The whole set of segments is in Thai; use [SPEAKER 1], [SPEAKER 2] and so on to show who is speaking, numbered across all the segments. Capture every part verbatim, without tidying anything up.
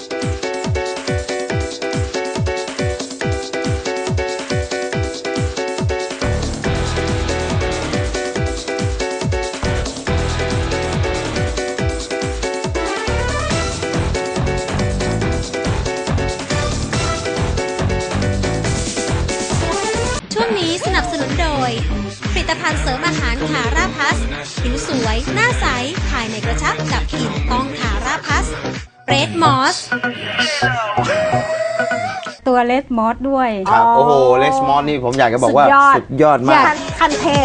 [SPEAKER 1] ช่วงนี้สนับสนุนโดยผลิตภัณฑ์เสริมอาหารคาราพัสผิวสวยหน้าใสภายในกระชับกับกลิ่นต้องคาราพัสเรดมอส
[SPEAKER 2] ตัวเลสมอสด้วย
[SPEAKER 3] ครับโอ้โหเลสมอสนี่ผมอยากจะบอกว่าสุดยอดมาก
[SPEAKER 2] คันเทพ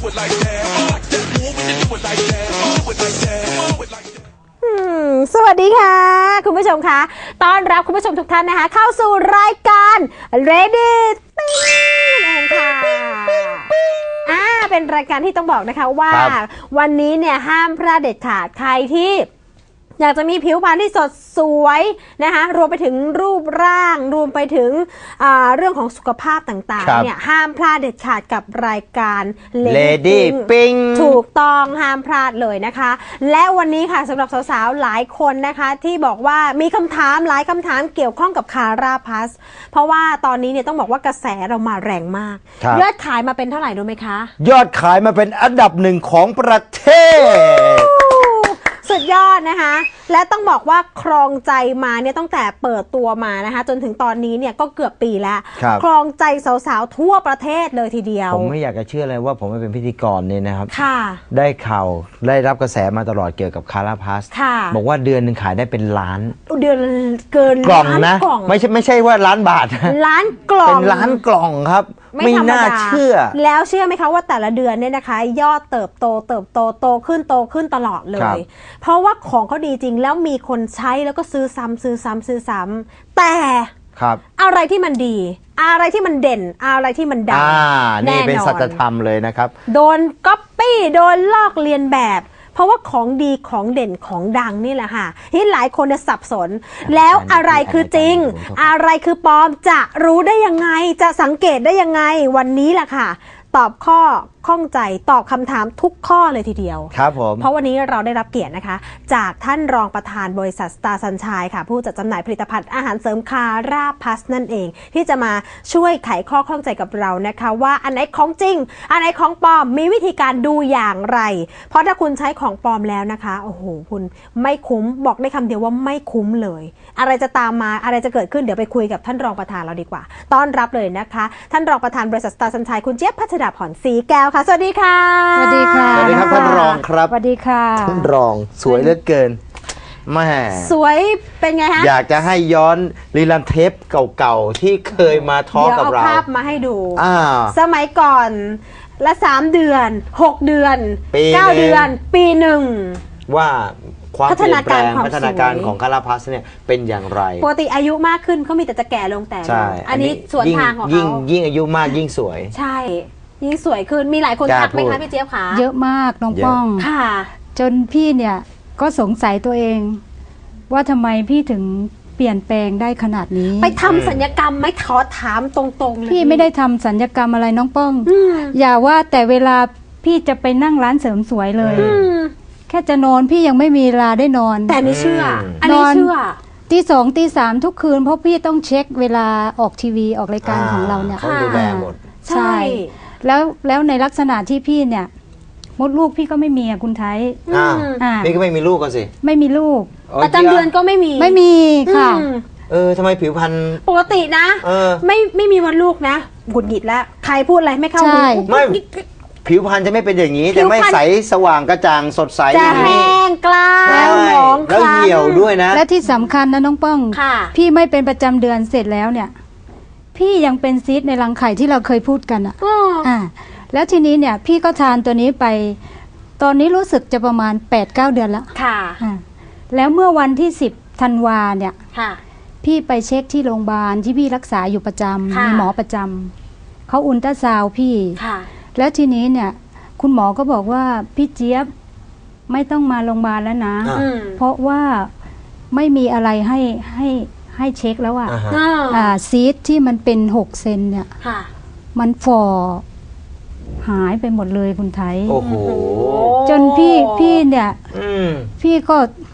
[SPEAKER 2] สวัสดีค่ะคุณผู้ชมคะต้อนรับคุณผู้ชมทุกท่านนะคะเข้าสู่รายการ Ready ติ้งเองค่ะอ่าเป็นรายการที่ต้องบอกนะคะว่าวันนี้เนี่ยห้ามพลาดเด็ดขาดใครที่อยากจะมีผิวพรรณที่สดสวยนะคะรวมไปถึงรูปร่างรวมไปถึงเรื่องของสุขภาพต่างๆเนี่ยห้ามพลาดเด็ดขาดกับรายการ
[SPEAKER 3] Lady Pink
[SPEAKER 2] ถูกต้องห้ามพลาดเลยนะคะและวันนี้ค่ะสำหรับสาวๆหลายคนนะคะที่บอกว่ามีคำถามหลายคำถามเกี่ยวข้องกับคาราพัสเพราะว่าตอนนี้เนี่ยต้องบอกว่ากระแสเรามาแรงมากยอดขายมาเป็นเท่าไหร่รู้ไหมคะ
[SPEAKER 3] ยอดขายมาเป็นอันดับหนึ่งของประเทศ
[SPEAKER 2] สุดยอดนะคะและต้องบอกว่าครองใจมาเนี่ยตั้งแต่เปิดตัวมานะคะจนถึงตอนนี้เนี่ยก็เกือบปีแล้วครองใจสาวๆทั่วประเทศเลยทีเดียว
[SPEAKER 3] ผมไม่อยากจะเชื่อเลยว่าผมไม่เป็นพิธีกรเนี่ยนะครับ
[SPEAKER 2] ค่ะ
[SPEAKER 3] ได้ข่าวได้รับกระแสมาตลอดเกี่ยวกับคาราพัสบอกว่าเดือนหนึ่งขายได้เป็นล้าน
[SPEAKER 2] เดือนเกิน
[SPEAKER 3] กล่องนะไม่ใช่ไม่ใช่ว่าล้านบาท
[SPEAKER 2] ล้านกล่อง
[SPEAKER 3] เป็นล้านกล่องครับไม่น่าเชื่อ
[SPEAKER 2] แล้วเชื่อไหมคะว่าแต่ละเดือนเนี่ยนะคะยอดเติบโตเติบโตโตขึ้นโตขึ้นตลอดเลยเพราะว่าของเขาดีจริงแล้วมีคนใช้แล้วก็ซื้อซ้ำซื้อซ้ำซื้อซ้ำแต่
[SPEAKER 3] ครับ
[SPEAKER 2] อะไรที่มันดีอะไรที่มันเด่นอะไรที่มันดัง
[SPEAKER 3] แน่นอนนี่เป็นสัจธรรมเลยนะครับ
[SPEAKER 2] โดนก๊อปปี้โดนลอกเลียนแบบเพราะว่าของดีของเด่นของดังนี่แหละค่ะที่หลายคนจะสับสนแล้วอะไรคือจริงอะไรคือปลอมจะรู้ได้ยังไงจะสังเกตได้ยังไงวันนี้แหละค่ะตอบข้อข้องใจตอบคำถามทุกข้อเลยทีเดียว
[SPEAKER 3] ครับผม
[SPEAKER 2] เพราะวันนี้เราได้รับเกียรตินะคะจากท่านรองประธานบริษัทสตาร์ซันชัยค่ะผู้จัดจำหน่ายผลิตภัณฑ์อาหารเสริมคาราพัสนั่นเองที่จะมาช่วยไขข้อข้องใจกับเรานะคะว่าอันไหนของจริงอันไหนของปลอมมีวิธีการดูอย่างไรเพราะถ้าคุณใช้ของปลอมแล้วนะคะโอ้โหคุณไม่คุ้มบอกได้คำเดียวว่าไม่คุ้มเลยอะไรจะตามมาอะไรจะเกิดขึ้นเดี๋ยวไปคุยกับท่านรองประธานเราดีกว่าต้อนรับเลยนะคะท่านรองประธานบริษัทสตาร์ซันชัยคุณเจี๊ยบพัชดาผ่อนศรีแก้วค่ะสวัสดีค่ะ
[SPEAKER 3] สวัสดีค่ะสวัสดีครับท่านรองครับ
[SPEAKER 2] สวัสดีค่ะ
[SPEAKER 3] ท่านรองสวยเหลือเกินแม่
[SPEAKER 2] สวยเป็นไงฮะ
[SPEAKER 3] อยากจะให้ย้อนรีลันเทปเก่าๆที่เคยมาทอล์กกับเรา
[SPEAKER 2] เดี๋ยวเอาภาพมาให้ดูสมัยก่อนละสามเดือนหกเดือนเก้าเดือนปีหนึ่ง
[SPEAKER 3] ว่าความเปลี่ยนแปลงพัฒนาการของคาราพัสเนี่ยเป็นอย่างไร
[SPEAKER 2] ปกติอายุมากขึ้นเขามีแต่จะแก่ลงแต่อันนี้ส่วนทางของเขา
[SPEAKER 3] ยิ่งยิ่งอายุมากยิ่งสวย
[SPEAKER 2] ใช่ยิ่งสวยขึ้นมีหลายคนทักไหมคะพี่เจี๊ยบคะ
[SPEAKER 4] เยอะมากน้องป้อง
[SPEAKER 2] ค่ะ
[SPEAKER 4] จนพี่เนี่ยก็สงสัยตัวเองว่าทำไมพี่ถึงเปลี่ยนแปลงได้ขนาดนี้
[SPEAKER 2] ไปทำศัลยกรรมไม่ขอถามตรงๆเลย
[SPEAKER 4] พี่ไม่ได้ทำศัลยกรรมอะไรน้องป้องอย่าว่าแต่เวลาพี่จะไปนั่งร้านเสริมสวยเลยแค่จะนอนพี่ยังไม่มีเวลาได้นอน
[SPEAKER 2] แต่นี่เชื่ออันนี้เชื่อ
[SPEAKER 4] ตีสองตีสามทุกคืนเพราะพี่ต้องเช็คเวลาออกทีวีออกรายการของเราเนี่ย
[SPEAKER 3] เขาดูแลหมด
[SPEAKER 4] ใช่แล้วแล้วในลักษณะที่พี่เนี่ยมดลูกพี่ก็ไม่มีอ่ะคุณไทย
[SPEAKER 3] อ่าพี่ก็ไม่มีลูกก็สิ
[SPEAKER 4] ไม่มีลูก
[SPEAKER 2] ประจำเดือนก็ไม่มี
[SPEAKER 4] ไม่มีค่ะ
[SPEAKER 3] เออทำไมผิวพรรณ
[SPEAKER 2] ปกตินะไม่ไม่มีวันลูกนะหงุดหงิดแล้วใครพูดอะไรไม่เข้าหู
[SPEAKER 3] ไม่ผิวพรรณจะไม่เป็นอย่างนี้จะไม่ใสสว่างกระจ่างสดใส
[SPEAKER 2] จะแห้งกล้าแล้วหนอง
[SPEAKER 3] แล้วเหี่ยวด้วยนะ
[SPEAKER 4] และที่สำคัญนะน้องป้องพี่ไม่เป็นประจำเดือนเสร็จแล้วเนี่ยพี่ยังเป็นซีสในรังไข่ที่เราเคยพูดกันอ่ะอ่าแล้วทีนี้เนี่ยพี่ก็ทานตัวนี้ไปตอนนี้รู้สึกจะประมาณ แปดเก้า เดือนแล้ว
[SPEAKER 2] ค่ะ
[SPEAKER 4] แล้วเมื่อวันที่สิบธันวาเนี่ย
[SPEAKER 2] ค่ะ
[SPEAKER 4] พี่ไปเช็คที่โรงพยาบาลที่พี่รักษาอยู่ประจำมีหมอประจำเขาอุลตราซาวด์พี่แล้วทีนี้เนี่ยคุณหมอก็บอกว่าพี่เจี๊ยบไม่ต้องมาโรงพยาบาลแล้วนะเพราะว่าไม่มีอะไรให้ให้ให้เช็คแล้วอ่ะซีสที่มันเป็นหกเซนเนี่ยมันฝ่อหายไปหมดเลยคุณไทย
[SPEAKER 3] โอ้โห
[SPEAKER 4] จนพี่พี่เนี่ยพี่ก็
[SPEAKER 2] ไป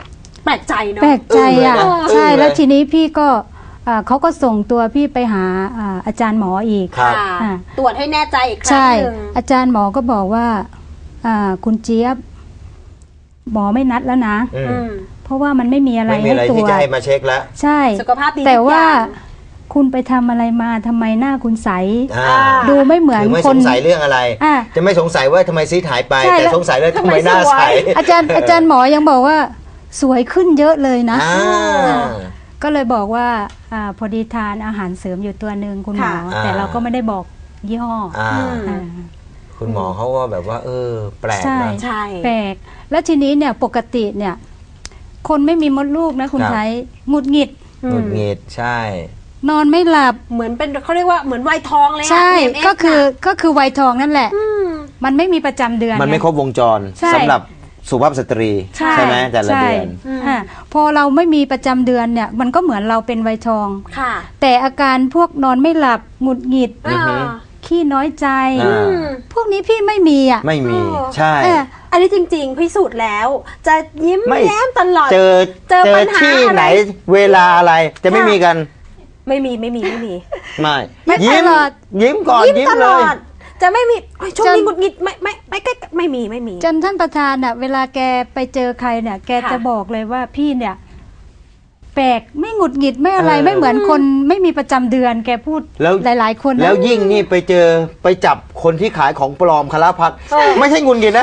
[SPEAKER 2] ลกใจเนาะ
[SPEAKER 4] แปลกใจอ่ะ
[SPEAKER 3] อึ้งเลยนะ
[SPEAKER 4] ใช่
[SPEAKER 3] อึ้งเลย
[SPEAKER 4] แล้วทีนี้พี่ก็อ่าเขาก็ส่งตัวพี่ไปหาอ่าอาจารย์หมออีก
[SPEAKER 3] ครับ
[SPEAKER 2] ค่ะ
[SPEAKER 4] อ่า
[SPEAKER 2] ตรวจให้แน่ใจอีกครั้
[SPEAKER 4] ใช่
[SPEAKER 2] งหนึ่ง
[SPEAKER 4] อาจารย์หมอก็บอกว่าอ่าคุณเจี๊ยบหมอไม่นัดแล้วนะ
[SPEAKER 3] อืม
[SPEAKER 2] อืม
[SPEAKER 4] เพราะว่ามันไม่มีอะไร
[SPEAKER 3] ไม่มี
[SPEAKER 4] ให้
[SPEAKER 3] อะไร
[SPEAKER 4] ตร
[SPEAKER 3] ที่
[SPEAKER 4] วจ
[SPEAKER 3] จะให้มาเช็คแล้ว
[SPEAKER 4] ใช่
[SPEAKER 2] สุขภาพดี
[SPEAKER 4] แต่
[SPEAKER 2] ทุก
[SPEAKER 4] ว่า
[SPEAKER 2] อย่าง
[SPEAKER 4] คุณไปทำอะไรมาทำไมหน้าคุณใส
[SPEAKER 3] อ่า
[SPEAKER 2] อ่า
[SPEAKER 4] ดูไม่เหมือน
[SPEAKER 3] คือไม่
[SPEAKER 4] ค
[SPEAKER 3] ส
[SPEAKER 4] น
[SPEAKER 3] งสัยเรื่องอะไร
[SPEAKER 4] อ่า
[SPEAKER 3] จะไม่สงสัยว่าทำไมซีดหายไป
[SPEAKER 4] ใช่
[SPEAKER 3] แต่
[SPEAKER 4] แล้ว
[SPEAKER 3] สงสัยว่าทำไมหน้าใส
[SPEAKER 4] อาจารย์อาจารย์หมอยังบอกว่าสวยขึ้นเยอะเลยนะ
[SPEAKER 3] อ่า
[SPEAKER 4] ก็เลยบอกว่าอาพอดีทานอาหารเสริมอยู่ตัวหนึ่งคุณหมอ
[SPEAKER 3] ค่ะ
[SPEAKER 4] แต่เราก็ไม่ได้บอกยี่ห้อ
[SPEAKER 3] อ่า
[SPEAKER 4] อ่า
[SPEAKER 3] คุณหมอเขาก็แบบว่า เออ แปลก
[SPEAKER 4] ใช่
[SPEAKER 3] นะ
[SPEAKER 2] ใช่
[SPEAKER 4] แปลกแล้วทีนี้เนี่ยปกติเนี่ย คนไม่มีมดลูกนะคุณ
[SPEAKER 3] ครับ
[SPEAKER 4] ไทยหงุดหงิด
[SPEAKER 3] หงุดหงิดใช่
[SPEAKER 4] นอนไม่หลับ
[SPEAKER 2] เหมือนเป็นเขาเรียกว่าเหมือนวัยทองเลยอะ
[SPEAKER 4] ใช่
[SPEAKER 2] เอ็มเอส
[SPEAKER 4] ก็คือ
[SPEAKER 2] น่ะ
[SPEAKER 4] ก็คือวัยทองนั่นแหละ
[SPEAKER 2] ม
[SPEAKER 4] มันไม่มีประจำเดือน
[SPEAKER 3] มันไม่
[SPEAKER 4] ง
[SPEAKER 3] ครบวงจร
[SPEAKER 4] ใช่
[SPEAKER 3] สำหรับสุภาพสตรี
[SPEAKER 4] ใช่
[SPEAKER 3] ไหมแต่ละ
[SPEAKER 4] ใช่
[SPEAKER 3] เดือน
[SPEAKER 4] อ่าพอเราไม่มีประจำเดือนเนี่ย มันก็เหมือนเราเป็นวัยทอง
[SPEAKER 2] ค่ะ
[SPEAKER 4] แต่อาการพวกนอนไม่หลับหงุดหงิด
[SPEAKER 3] อือฮึ
[SPEAKER 2] อ่า
[SPEAKER 4] ขี้น้อยใจ
[SPEAKER 3] อ่า
[SPEAKER 4] พวกนี้พี่ไม่มีอ่ะ
[SPEAKER 3] ไม่มี
[SPEAKER 2] โอ้
[SPEAKER 3] ใช่
[SPEAKER 4] เออ
[SPEAKER 2] อันนี้จริงๆพิสูจน์แล้ว จะยิ้ม
[SPEAKER 3] ไม่
[SPEAKER 2] แย้มตลอด
[SPEAKER 3] เจอ
[SPEAKER 2] เจอปัญหา
[SPEAKER 3] ที่
[SPEAKER 2] อะไร
[SPEAKER 3] ไหนเวลาอะไรจะไม่
[SPEAKER 2] ค่ะ
[SPEAKER 3] มีกัน
[SPEAKER 2] ไม่มีไม่มีไม่มี
[SPEAKER 3] ไม่
[SPEAKER 4] ไม่
[SPEAKER 3] ยิ้ม
[SPEAKER 4] ตลอด
[SPEAKER 3] ยิ้มก่อน
[SPEAKER 2] ยิ้ม
[SPEAKER 3] ยิ้ม
[SPEAKER 2] ต
[SPEAKER 3] เล
[SPEAKER 2] ลอย ด จะไม่มีโอ้ยช่วง
[SPEAKER 4] จน
[SPEAKER 2] นี้หงุดหงิดไม่ไม่ไม่ไม่ไม่มีไม่มี
[SPEAKER 4] จนท่านประธานอ่ะ เวลาแกไปเจอใครเนี่ย แก
[SPEAKER 2] ค่ะ
[SPEAKER 4] จะบอกเลยว่าพี่เนี่ย แปลกไม่หงุดหงิดไม่อะไร
[SPEAKER 3] เออ
[SPEAKER 4] ไม่เหมือนคนไม่มีประจำเดือน แกพูด
[SPEAKER 3] แล้ว
[SPEAKER 4] หลาย ๆ คนนะ
[SPEAKER 3] แล้วยิ่งนี่ไปเจอไปจับคนที่ขายของปลอมคาราพัดไม่ใช่งุนงิดนะ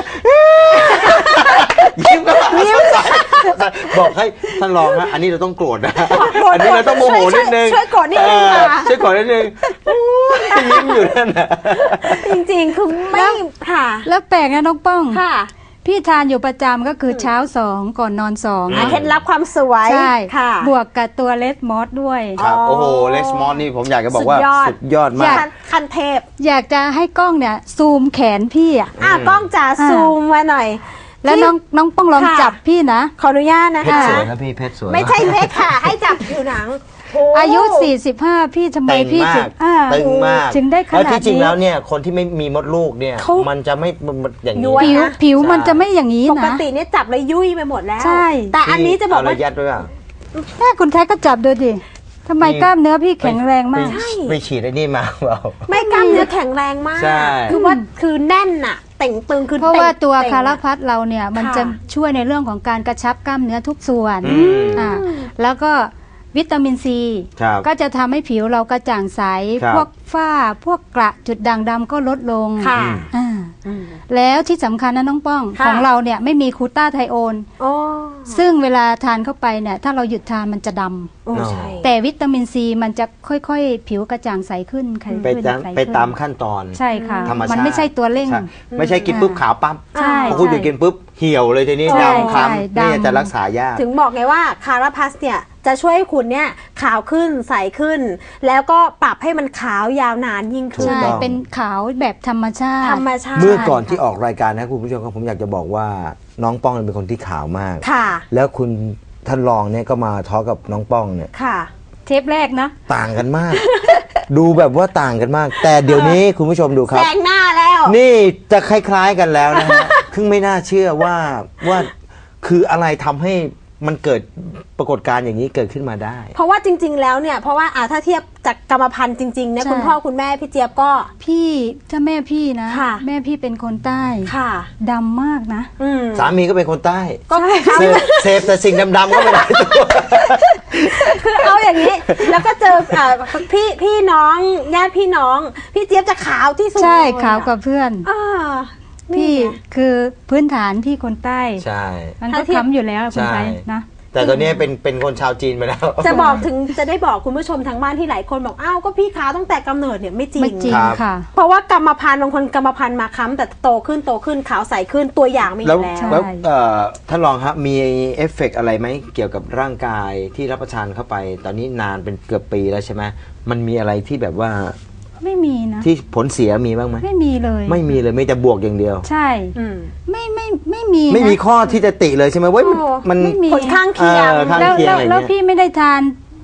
[SPEAKER 3] ยิ้มก็ยิ้มบอกให้ท่านรองนะอันนี้เราต้องโกรธนะ
[SPEAKER 2] โกรธ
[SPEAKER 3] อันนี้เราต้องโมโหนิดนึง
[SPEAKER 2] ช่วยช่วยโกรธนิดนึง
[SPEAKER 3] เออ
[SPEAKER 2] ค่ะ
[SPEAKER 3] ช่วยโกรธนิดนึงยิ้มอยู่นั่นนะ
[SPEAKER 2] จริงๆ คือไม่ค่ะ
[SPEAKER 4] แล้วแปลกนะน้องป้อง
[SPEAKER 2] ค่ะ
[SPEAKER 4] พี่ทานอยู่ประจำก็คือเช้าสองก่อนนอนสอง
[SPEAKER 2] อ่ะเคล็ดลับความสวย
[SPEAKER 4] ใช่
[SPEAKER 2] ค่ะ
[SPEAKER 4] บวกกับตัวเลสมอสด้วย
[SPEAKER 3] ครับ
[SPEAKER 2] อ๋อ
[SPEAKER 3] โอ้โหเลสมอนนี่ผมอยากจะบอกว่า
[SPEAKER 2] สุดยอด
[SPEAKER 3] สุดยอดมาก
[SPEAKER 2] คันคันเทพ
[SPEAKER 4] อยากจะให้กล้องเนี่ย ซูมแขนพี่อ่ะ
[SPEAKER 2] อ่ะกล้องจ๋า
[SPEAKER 4] อ่า
[SPEAKER 2] ซูมมาหน่อย
[SPEAKER 4] แล้ว
[SPEAKER 2] ที่
[SPEAKER 4] น้องน้องป้องลอง
[SPEAKER 2] ค่ะ
[SPEAKER 4] จับพี่นะ
[SPEAKER 2] ขออนุญาตนะ
[SPEAKER 3] เพชร
[SPEAKER 2] คะ
[SPEAKER 3] สวยนะพี่เพชรสวย
[SPEAKER 2] ไม่ใช่เพชรค่ะ ให้จับผิวหนังโ
[SPEAKER 4] อายุ สี่สิบห้า พี่ทำไม
[SPEAKER 3] เต็ง
[SPEAKER 4] พี่
[SPEAKER 3] มา
[SPEAKER 4] ถึ
[SPEAKER 3] ก
[SPEAKER 4] งอ่า
[SPEAKER 3] ตึงมาก
[SPEAKER 4] ถึงได้ข
[SPEAKER 3] แล้ว
[SPEAKER 4] นาด
[SPEAKER 3] ที่จริง
[SPEAKER 4] นี้
[SPEAKER 3] แล้วเนี่ยคนที่ไม่มีมดลูกเนี่ย
[SPEAKER 2] เขา
[SPEAKER 3] มันจะไม่มันอย่าง
[SPEAKER 2] ย้
[SPEAKER 3] นี้
[SPEAKER 2] วย
[SPEAKER 4] ผิวผิวมันจะไม่อย่างนี้
[SPEAKER 2] ปก
[SPEAKER 4] นะ
[SPEAKER 2] ติเนี่ยจับแล้วยุ่ยไปหมดแล้ว
[SPEAKER 4] ใช่
[SPEAKER 2] แต่อันนี้จะบอกว่า
[SPEAKER 3] เาระยัดด้วยอ่ะ
[SPEAKER 4] แม่คุณแท้ก็จับดูดิทำไมกล้ามเนื้อพี่แข็งแรงมาก
[SPEAKER 3] ไปไปฉีดไอ้นี่มาเปล่า
[SPEAKER 2] ไม่กล้ามเนื้อแข็งแรงมาก
[SPEAKER 3] ใช่
[SPEAKER 2] คือว่าคือแน่นอะเต่งตึงคือ
[SPEAKER 4] เพราะว่าตัว
[SPEAKER 2] เต่ง
[SPEAKER 4] คารา
[SPEAKER 2] อะ
[SPEAKER 4] พัดเราเนี่ยมัน
[SPEAKER 2] ค่ะ
[SPEAKER 4] จะช่วยในเรื่องของการกระชับกล้ามเนื้อทุกส่วน
[SPEAKER 3] อืม
[SPEAKER 4] อ่าแล้วก็วิตามินซี
[SPEAKER 3] ครับ
[SPEAKER 4] ก็จะทำให้ผิวเรากระจ่างใส
[SPEAKER 3] ครับ
[SPEAKER 4] พวกฝ้าพวกกระจุดด่างดำก็ลดลง
[SPEAKER 2] ค่ะ
[SPEAKER 4] อ่า
[SPEAKER 2] อืม
[SPEAKER 4] แล้วที่สำคัญนะน้องป้อง
[SPEAKER 2] ค่ะ
[SPEAKER 4] ของเราเนี่ยไม่มีคูต้าไทโอน
[SPEAKER 2] โอ้
[SPEAKER 4] ซึ่งเวลาทานเข้าไปเนี่ยถ้าเราหยุดทานมันจะดำ
[SPEAKER 2] โอ้ใช่
[SPEAKER 4] แต่วิตามินซีมันจะค่อยๆ ผิวกระจ่างใสขึ้นใส
[SPEAKER 3] ไป
[SPEAKER 4] ขึ้น
[SPEAKER 3] ตาม
[SPEAKER 4] ใสขึ้น
[SPEAKER 3] ไปตามขั้นตอน
[SPEAKER 4] ใช่ค่ะ
[SPEAKER 3] ธรรมชาติ
[SPEAKER 4] มันไม่ใช่ตัวเร่ง
[SPEAKER 3] ใช่ไม่ใช่กินปุ๊บขาวปั๊บ
[SPEAKER 4] ใช่
[SPEAKER 3] พอคุณหยุดกินปุ๊บเหี่ยวเลยทีนี้
[SPEAKER 4] ใช่
[SPEAKER 3] ดำคล้ำ
[SPEAKER 4] ใช่
[SPEAKER 3] นี่
[SPEAKER 4] ดำ
[SPEAKER 3] จะรักษายาก
[SPEAKER 2] ถึงบอกไงว่าคาราพัสเนี่ยจะช่วยให้คุณเนี่ยขาวขึ้นใสขึ้น แล้วก็ปรับให้มันขาวยาวนานยิ่งขึ้น
[SPEAKER 4] ใช่
[SPEAKER 3] ถูกต้อง
[SPEAKER 4] เป็นขาวแบบธรรมชาติ
[SPEAKER 2] ธรรมชาติ
[SPEAKER 3] เมื่อก่อนที่ออกรายการนะคุณผู้ชมครับผมอยากจะบอกว่าน้องป้องเป็นคนที่ขาวมาก
[SPEAKER 2] ค่ะ
[SPEAKER 3] แล้วคุณท่านรองเนี่ยก็มาทอล์กกับน้องป้องเนี่ย
[SPEAKER 2] ค่ะ
[SPEAKER 4] เทปแรกนะ
[SPEAKER 3] ต่างกันมาก ดูแบบว่าต่างกันมาก แต่เดี๋ยวนี้คุณผู้ชมดูค
[SPEAKER 2] แซ
[SPEAKER 3] รับ
[SPEAKER 2] งหน้าแล้ว
[SPEAKER 3] นี่จะคล้ายๆกันแล้วนะฮะ ซึ่งไม่น่าเชื่อว่าว่าคืออะไรทำให้มันเกิดปรากฏการณ์อย่างนี้เกิดขึ้นมาได้
[SPEAKER 2] เพราะว่าจริง ๆ แล้วเนี่ยเพราะว่าอ่าถ้าเทียบจากกรรมพันธุ์จริงๆเนี่ย
[SPEAKER 4] ใช่
[SPEAKER 2] คุณพ่อคุณแม่พี่เจี๊ยบก็
[SPEAKER 4] พี่ถ้าแม่พี่นะ
[SPEAKER 2] ค่ะ
[SPEAKER 4] แม่พี่เป็นคนใต้
[SPEAKER 2] ค่ะ
[SPEAKER 4] ดำมากนะ
[SPEAKER 2] อืม
[SPEAKER 3] สามีก็เป็นคนใต้
[SPEAKER 2] ก็
[SPEAKER 3] เสพเสพแต่สิ่งดำๆก็ไม่ได้ตัว
[SPEAKER 2] คือเอาอย่างนี้ แล้วก็เจออ่าพี่พี่น้องญาติพี่น้อง พี่เจี๊ยบจะขาวที่สุด
[SPEAKER 4] ใช่
[SPEAKER 2] เลยอะ
[SPEAKER 4] ขาวกว่าเพื่อน
[SPEAKER 2] อ่านี่
[SPEAKER 4] พี่
[SPEAKER 2] ไง
[SPEAKER 4] คือพื้นฐานพี่คนใต้
[SPEAKER 3] ใช่
[SPEAKER 4] มันก็
[SPEAKER 2] ถ้าเทียบ
[SPEAKER 4] ค้ำอยู่แล้วคนไทย
[SPEAKER 3] ใช่
[SPEAKER 4] นะ
[SPEAKER 3] แต่ตอนนี้เป็นเป็นคนชาวจีนไปแล้ว
[SPEAKER 2] จะบอกถึงจะได้บอกคุณผู้ชมทางบ้านที่หลายคนบอกอ้าวก็พี่ขาวตั้งแต่กำเนิดเนี่ยไม่จริ
[SPEAKER 4] ไม่
[SPEAKER 2] ง
[SPEAKER 4] จริง
[SPEAKER 3] ครับ
[SPEAKER 4] ค่ะ
[SPEAKER 2] เพราะว่ากรรมพันธุ์บางคนกรรมพันธุ์มาค้ำแต่โตขึ้นโตขึ้นขาวใสขึ้นตัวอย่างมีอ
[SPEAKER 3] แล้ว
[SPEAKER 2] ยู่แล้ว
[SPEAKER 4] ใช่
[SPEAKER 3] แล้วเอ่อท่านรองครับมีเอฟเฟกต์อะไรไหมเกี่ยวกับร่างกายที่รับประทานเข้าไป ตอนนี้นานเป็นเกือบปีแล้วใช่ไหมมันมีอะไรที่แบบว่า
[SPEAKER 4] ไม่มีนะ
[SPEAKER 3] ที่ผลเสียมีบ้างไหม
[SPEAKER 4] ไม่มีเลย
[SPEAKER 3] ไม่มีเลยไม่แต่บวกอย่างเดียว
[SPEAKER 4] ใช่
[SPEAKER 2] อืม
[SPEAKER 4] ไม่ไม่ไม่มีนะ
[SPEAKER 3] ไม่มีข้อที่จะติเลยใช่ไหมเว้ยมัน
[SPEAKER 2] โอ้
[SPEAKER 3] มัน
[SPEAKER 4] ไม่มี
[SPEAKER 2] ผลข้างเคียง
[SPEAKER 3] เออข้าง
[SPEAKER 4] แล้ว
[SPEAKER 3] เคียง
[SPEAKER 4] แล้ว
[SPEAKER 3] อะไร
[SPEAKER 4] แล้ว
[SPEAKER 3] เงี้ย
[SPEAKER 4] พี่ไม่ได้ทาน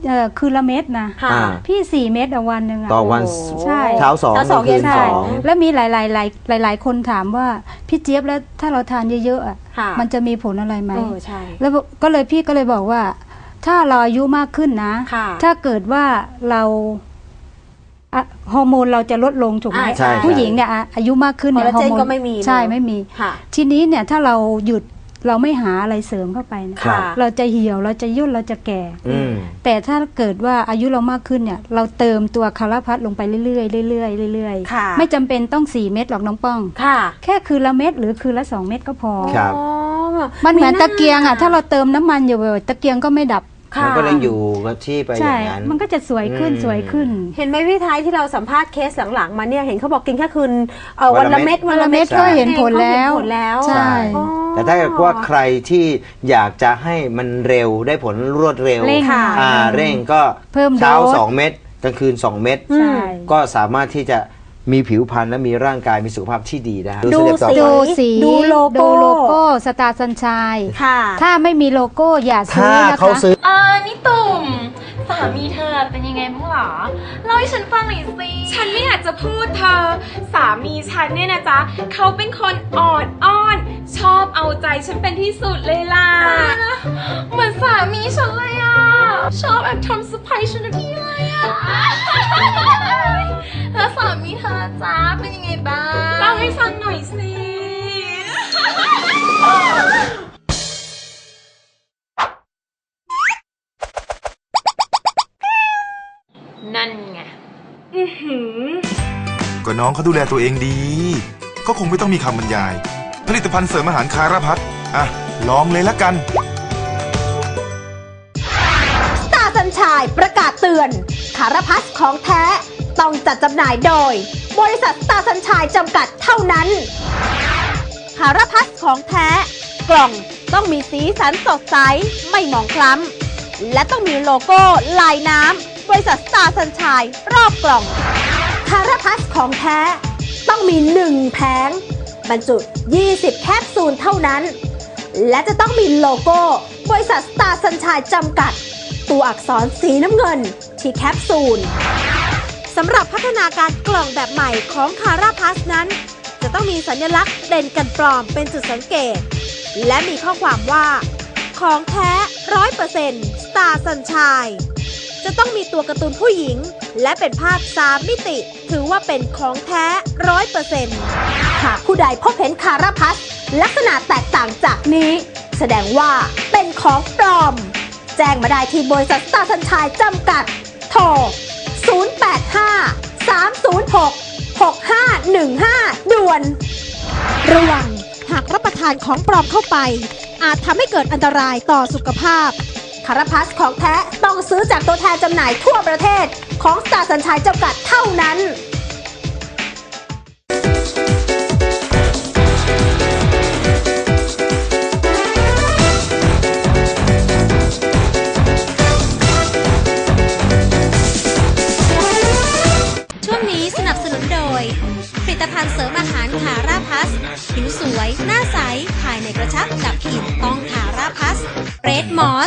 [SPEAKER 4] เอ่อคืนละเม็ดนะ
[SPEAKER 2] ค่ะ
[SPEAKER 3] อ่า
[SPEAKER 4] พี่สี่เม็ดต่อวันหนึ่งอะ
[SPEAKER 3] ต่อวัน
[SPEAKER 4] ใช่
[SPEAKER 3] เช้าสอง
[SPEAKER 2] เช้าสอง
[SPEAKER 3] กลางคืน
[SPEAKER 2] เย็น
[SPEAKER 3] ส
[SPEAKER 2] ส
[SPEAKER 3] อ
[SPEAKER 2] อง ง
[SPEAKER 4] แล้วมีหลายหลายหลายหลายหลายคนถามว่าพี่เจี๊ยบแล้วถ้าเราทานเยอะๆอะ
[SPEAKER 2] ค่ะ
[SPEAKER 4] มันจะมีผลอะไรไหม
[SPEAKER 2] เออใช่
[SPEAKER 4] แล้วก็เลยพี่ก็เลยบอกว่า ถ้าเราอายุมากขึ้นนะ
[SPEAKER 2] ค่ะ
[SPEAKER 4] ถ้าเกิดว่าเราอะฮอร์โมนเราจะลดลงถูกไหม
[SPEAKER 2] อ่าใช่
[SPEAKER 4] ผู้หญิงเนี่ยอะอายุมากขึ้นเนี่ย
[SPEAKER 2] คอลลาเจน
[SPEAKER 4] ฮอร์โ
[SPEAKER 2] ก็ไม่มี
[SPEAKER 4] ใช่
[SPEAKER 2] เนอะ
[SPEAKER 4] ไม่มี
[SPEAKER 2] ค่ะ
[SPEAKER 4] ทีนี้เนี่ยถ้าเราหยุดเราไม่หาอะไรเสริมเข้าไปเนี่ย
[SPEAKER 3] ครับ
[SPEAKER 4] เราจะเหี่ยวเราจะย่นเราจะแก่
[SPEAKER 3] อืม
[SPEAKER 4] แต่ถ้าเกิดว่าอายุเรามากขึ้นเนี่ย เราเติมตัวคาราพัดลงไปเรื่อยๆเรื่อยๆเรื่อย
[SPEAKER 2] ค่ะ
[SPEAKER 4] ๆไม่จำเป็นต้องสี่เม็ดหรอกน้องป้อง
[SPEAKER 2] ค่ะ
[SPEAKER 4] แค่คืนละเม็ดหรือคืนละสองเม็ดก็พอ
[SPEAKER 3] ครับ
[SPEAKER 2] อ๋อ
[SPEAKER 4] มันเหมือนตะเกียงอ่ะถ้าเราเติมน้ำมันอยู่บ่อยๆตะเกียงก็ไม่ดับ
[SPEAKER 2] ค่ะ
[SPEAKER 3] มันก็เลยอยู่กับที่ไปอ
[SPEAKER 4] ใช่
[SPEAKER 3] ย่างนั้น
[SPEAKER 4] มันก็จะสวยขึ้น
[SPEAKER 3] อืม
[SPEAKER 4] สวยขึ้น
[SPEAKER 2] เห็นไหมพี่ไทยที่เราสัมภาษณ์เคสหลังๆมาเนี่ยเห็นเขาบอกกินแค่คืนเอ่อ
[SPEAKER 3] วั
[SPEAKER 2] วัน
[SPEAKER 3] น
[SPEAKER 2] ละ
[SPEAKER 3] ละเม็
[SPEAKER 2] เม็ด
[SPEAKER 3] ด
[SPEAKER 2] วันละเม็ด
[SPEAKER 4] วันละเม็ดก็เห็นผลแล้ว
[SPEAKER 2] เห็นผลแล้ว
[SPEAKER 4] ใช่
[SPEAKER 2] อ๋อ
[SPEAKER 3] แต่ถ้าเกิดว่าใครที่อยากจะให้มันเร็วได้ผลรวดเร็ว
[SPEAKER 4] เร่ง
[SPEAKER 2] ค่ะ
[SPEAKER 3] อ่าเร่งก็
[SPEAKER 4] เพิ่ม
[SPEAKER 3] เช้า
[SPEAKER 4] โดส
[SPEAKER 3] สองเม็ดกลางคืนสองเม็ด
[SPEAKER 4] ใช่
[SPEAKER 3] ก็สามารถที่จะมีผิวพรรณและมีร่างกายมีสุขภาพที่ดีได้
[SPEAKER 2] ดู
[SPEAKER 3] สเต็ปต่อ
[SPEAKER 2] สิ
[SPEAKER 3] ไป
[SPEAKER 4] ดูสี
[SPEAKER 2] ดูโลโก้
[SPEAKER 4] ดูโลโก้สตาร์สัญชัย
[SPEAKER 2] ค่ะ
[SPEAKER 4] ถ้าไม่มีโลโก้อย่าซื้
[SPEAKER 3] ถ้า
[SPEAKER 4] อนะคะ
[SPEAKER 3] เขาซื้อ
[SPEAKER 5] อ่านี่ตุ่มสามีเธอเป็นยังไงบ้างหรอเล่าให้ฉันฟังหน่อยสิ
[SPEAKER 6] ฉันไม่อยากจะพูดเธอ สามีฉันเนี่ยนะจ๊ะเขาเป็นคนอ่อนอ้อน ชอบเอาใจฉันเป็นที่สุดเลยล่ะ
[SPEAKER 5] เหมือนสามีฉันเลยอ่ะ ชอบแอบทำเซอร์ไพรส์ฉันทุกทีเลยอ่ะ แล้วสามีเธอจ้าเป็นยังไงบ้าง
[SPEAKER 6] เล่าให้ฟังหน่อยสิ
[SPEAKER 5] นั่นไง
[SPEAKER 6] อื้อหือ
[SPEAKER 7] ก็น้องเขาดูแลตัวเองดี ก็คงไม่ต้องมีคำบรรยาย ผลิตภัณฑ์เสริมอาหารคาราพัดอ่ะ ลองเลยละกัน
[SPEAKER 2] สตาร์สัญชัยประกาศเตือนคาราพัสของแท้ ต้องจัดจำหน่ายโดย บริษัทสตาร์สัญชัยจำกัดเท่านั้นคาราพัสของแท้ กล่องต้องมีสีสันสดใส ไม่หมองคล้ำ และต้องมีโลโก้ลายน้ำ บริษัทสตาร์สัญชัยรอบกล่องคาราพัสของแท้ ต้องมีหนึ่งแผงบรรจุ ยี่สิบ แคปซูลเท่านั้น และจะต้องมีโลโก้ บริษัทสตาร์สัญชัยจำกัด ตัวอักษรสีน้ำเงินที่แคปซูลสำหรับพัฒนาการกล่องแบบใหม่ของคาราพัสนั้น จะต้องมีสัญลักษณ์เด่นกันปลอมเป็นจุดสังเกต และมีข้อความว่า ของแท้ ร้อยเปอร์เซ็นต์ สตาร์สัญชัยจะต้องมีตัวการ์ตูนผู้หญิง และเป็นภาพสามมิติ ถือว่าเป็นของแท้ ร้อยเปอร์เซ็นต์ หากผู้ใดพบเห็นคาราพัสลักษณะแตกต่างจากนี้ แสดงว่าเป็นของปลอม แจ้งมาได้ที่บริษัทสตาร์สัญชัยจำกัด โทร ศูนย์ แปด ห้า สาม ศูนย์ หก หก ห้า หนึ่ง ห้า ด่วน ระวังหากรับประทานของปลอมเข้าไป อาจทำให้เกิดอันตรายต่อสุขภาพ คาราพัสของแท้ต้องซื้อจากตัวแทนจำหน่ายทั่วประเทศของสตาร์สัญชัยจำกัดเท่านั้น
[SPEAKER 1] ช่วงนี้สนับสนุนโดย ผลิตภัณฑ์เสริมอาหารคาราพัส ผิวสวย หน้าใส ภายในกระชับดับกลิ่นต้องคาราพัสเรดมอส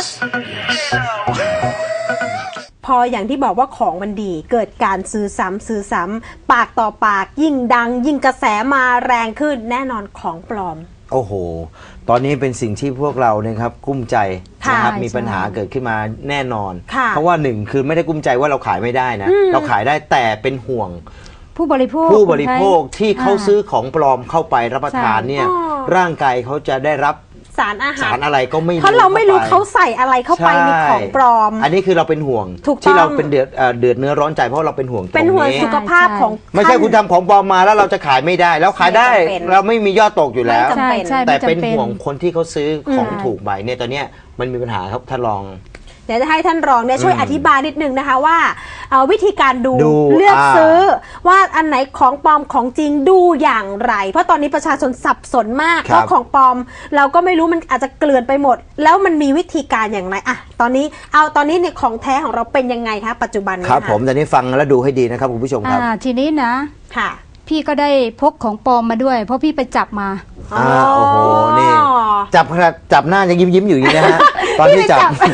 [SPEAKER 2] พออย่างที่บอกว่าของมันดีเกิดการซื้อซ้ำซื้อซ้ำปากต่อปากยิ่งดัง ยิ่งกระแสมาแรงขึ้นแน่นอนของปลอม
[SPEAKER 3] โอ้โห ตอนนี้เป็นสิ่งที่พวกเราเนี่ยครับกุ้มใจ
[SPEAKER 2] ค่ะ
[SPEAKER 3] นะครับ
[SPEAKER 4] ใช่
[SPEAKER 3] มีปัญหาเกิดขึ้นมาแน่นอน
[SPEAKER 2] ค่ะ
[SPEAKER 3] เพราะว่าหนึ่งคือไม่ได้กุ้มใจว่าเราขายไม่ได้นะ เราขายได้แต่เป็นห่วง
[SPEAKER 4] ผู้บริโภค
[SPEAKER 3] ผู้บริโภคที่เขา
[SPEAKER 4] า
[SPEAKER 3] ซื้อของปลอมเข้าไปรับประทานเนี่ย
[SPEAKER 2] อ๋อ
[SPEAKER 3] ร่างกายเขาจะได้รับ
[SPEAKER 2] สารอาหา
[SPEAKER 3] สาร รอะไรก็ไม่รู้
[SPEAKER 2] เพราะเราไม่รู้
[SPEAKER 3] ข้ป
[SPEAKER 2] เขาใส่อะไรเข้าไปในของปลอม
[SPEAKER 3] อันนี้คือเราเป็นห่วง
[SPEAKER 2] ถูกต้อง
[SPEAKER 3] ที่เราเป็นเดือดเอ่อเดือดเนื้อร้อนใจเพราะเราเป็นห่วงตรง
[SPEAKER 2] เป็นห่วง
[SPEAKER 3] นี้
[SPEAKER 2] สุขภาพของ
[SPEAKER 3] ไม่ใช่คุณทำของปลอมมาแล้วเราจะขายไม่ได้ แล้วขายได้
[SPEAKER 2] ไม่จำเป็น
[SPEAKER 3] เราไม่มียอดตกอยู่แล้ว
[SPEAKER 2] ไม่จำเป็น
[SPEAKER 4] ใช่
[SPEAKER 3] แต่
[SPEAKER 4] ไม่จำ
[SPEAKER 3] เป็นห่วงคนที่เขาซื้อของ
[SPEAKER 4] อืม
[SPEAKER 3] ถูกใบเนี่ยตอนเนี้ยมันมีปัญหาครับท่านรอง
[SPEAKER 2] เดี๋ยวจะให้ท่านรองเนี่ยช่วย
[SPEAKER 3] อืม
[SPEAKER 2] อธิบายนิดนึงนะคะว่าเอ่อวิธีการดู
[SPEAKER 3] ดู
[SPEAKER 2] เลือก
[SPEAKER 3] อ่า
[SPEAKER 2] ซื้อว่าอันไหนของปลอมของจริงดูอย่างไร เพราะตอนนี้ประชาชนสับสนมากเพราะของปลอมเราก็ไม่รู้มันอาจจะเกลื่อนไปหมด แล้วมันมีวิธีการอย่างไรอะตอนนี้เอาตอนนี้เนี่ยของแท้ของเราเป็นยังไงคะปัจจุบันนี้
[SPEAKER 3] ครับ
[SPEAKER 2] ะ
[SPEAKER 3] ผมตอนนี้ฟังแล้วดูให้ดีนะครับคุณผู้ชมครับ
[SPEAKER 4] อ่าทีนี้นะ
[SPEAKER 2] ค่ะ
[SPEAKER 4] พี่ก็ได้พกของปลอมมาด้วย เพราะพี่ไปจับมา
[SPEAKER 3] อ่าโอ้โหนี่จับขนาดจับหน้ายังยิ้มยิ้มๆอยู่อย่างนี้นะฮะตอนที่จับ